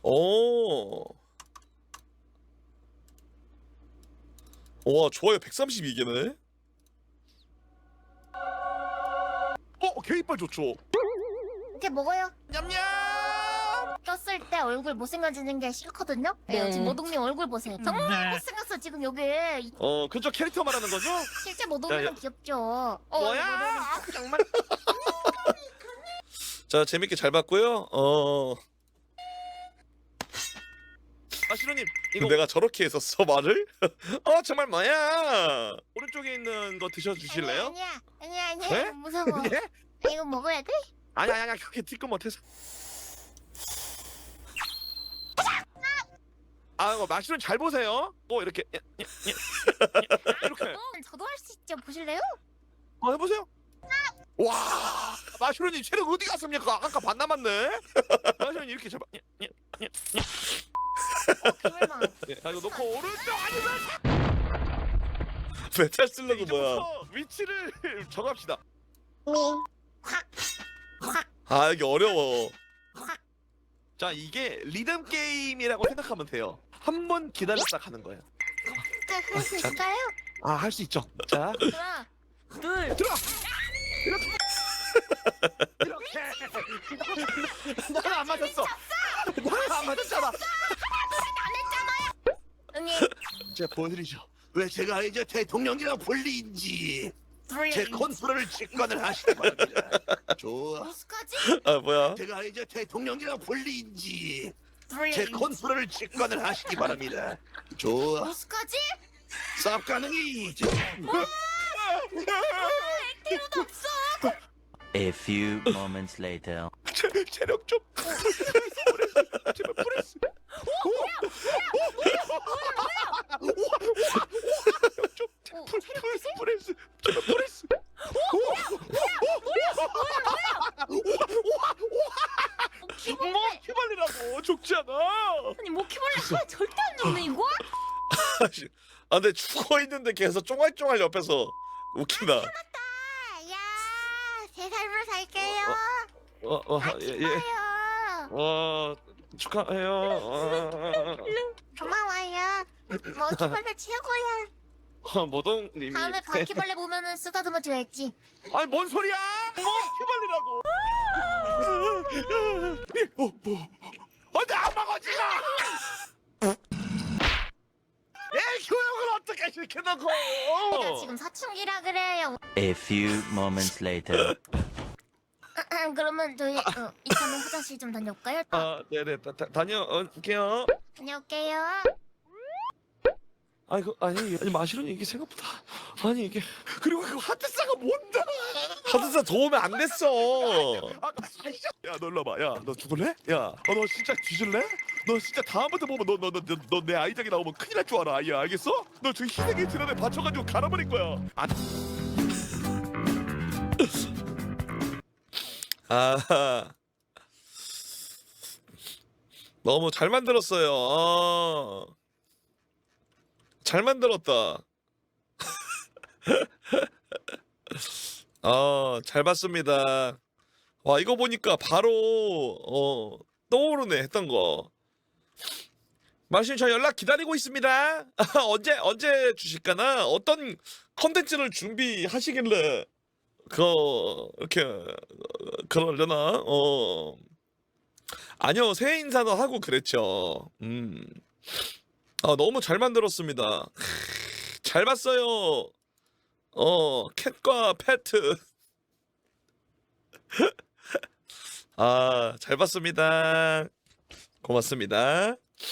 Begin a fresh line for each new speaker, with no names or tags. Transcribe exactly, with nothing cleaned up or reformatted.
오. 와, 좋아요. 백삼십이 개네. 어, 개이빨 좋죠.
이렇게 먹어요.
냠냠.
꼈을 때 얼굴 못생겨지는 게 싫거든요. 네, 지금 모동님 얼굴 보세요. 정말 못생겼어 지금 여기.
어, 그쪽 캐릭터 말하는 거죠?
실제
야,
모동님은
야.
귀엽죠. 어,
뭐야?
모동님.
아, 정말. 자, 재밌게 잘 봤고요. 어. 아, 신우님, 이거 내가 저렇게 했었어 말을? 어, 정말 뭐야? 오른쪽에 있는 거 드셔 주실래요?
아니야, 아니야, 아니야.
네?
무서워.
예?
아, 이거 먹어야 돼?
아니 아니 아니 그렇게 티끌 못해서. 아, 이거 마시는 잘 보세요. 뭐 이렇게 예, 예, 예, 예, 이렇게.
어, 저도 할 수 있죠. 보실래요?
어, 해보세요. 와, 마시로님 체력 어디 갔습니까? 아까 반 남았네. 마시로님 이렇게 잡아. 예, 예, 예, 예.
어, 그럴만.
예, 자, 이거 놓고 오른쪽 아니면 메탈 슬러그 뭐야? 위치를 정합시다.
확, 확,
아, 이게 어려워.
확.
자, 이게 리듬 게임이라고 생각하면 돼요. 한 번 기다렸다 가는 거예요.
할 수 있을까요?
아, 할 수 있죠. 자,
하나, 둘.
들어. 이렇게. 이렇게. 나는 안 맞았어. 나는 안 맞았잖아.
언니,
제가 보여드리죠. 왜 제가 이제 대통령이랑 불리인지 제 컨트롤을 직관을 하시기 바랍니다. 좋아.
어떡하지?
아, 뭐야? 제가 이제 대통령이랑 불리인지 제 컨트롤을 직관을 하시기 바랍니다. 좋아.
어떡하지?
쌉 가능이.
액티브도 없어.
A few moments later.
체, 체력 좀. 제발 프레스.
어,
프레스, 프레스, 제발 프레스. 뭐 휘발리라고 죽지 않아.
아니 모키벌레가 절대 안 죽네 이거?
아, 근데 죽어 있는데 계속 쫑알쫑알 옆에서 웃긴다.
야, 제 삶을 살게요.
어, 어,
아,
예, 예.
축하해요.
어, 축하해요. 어,
고마워요. 모키벌레 최고야.
어, 모동님이.
다음에 바퀴벌레 보면은 쓰다듬어 줘야지.
아니, 뭔 소리야? 뭐 휘발리라고. 어, 뭐? 어디 안 먹어지나? 애 교육을 어떻게 시켜놓고?
내가 지금 사춘기라 그래요.
A few moments later.
그러면 저희 어, 이참에 화장실 좀 다녀올까요?
아, 네네, 다, 다, 다녀올게요.
다녀올게요.
아니, 그, 아니, 아니, 마시로니 이게 생각보다. 아니, 이게. 그리고 그 하트사가 뭔데? 하트사 도움이 안 됐어. 아, 야, 너 일로 와봐. 야, 너 죽을래? 야, 어, 너 진짜 뒤질래? 너 진짜 다음부터 보면 너, 너, 너, 너, 너 내 아이작이 나오면 큰일 날 줄 알아. 아이야, 알겠어? 너 저 희생의 드럼에 받쳐가지고 갈아버릴 거야. 안. 아, 너무 잘 만들었어요. 아, 잘 만들었다. 아, 잘 봤습니다. 와, 이거 보니까 바로 어, 떠오르네 했던 거. 마신 저 연락 기다리고 있습니다. 언제 언제 주실까나? 어떤 컨텐츠를 준비하시길래 그 이렇게 그러려나? 어, 아니요, 새해 인사도 하고 그랬죠. 음, 아, 너무 잘 만들었습니다. 잘 봤어요. 어, 캣과 패트. 아, 잘 봤습니다. 고맙습니다.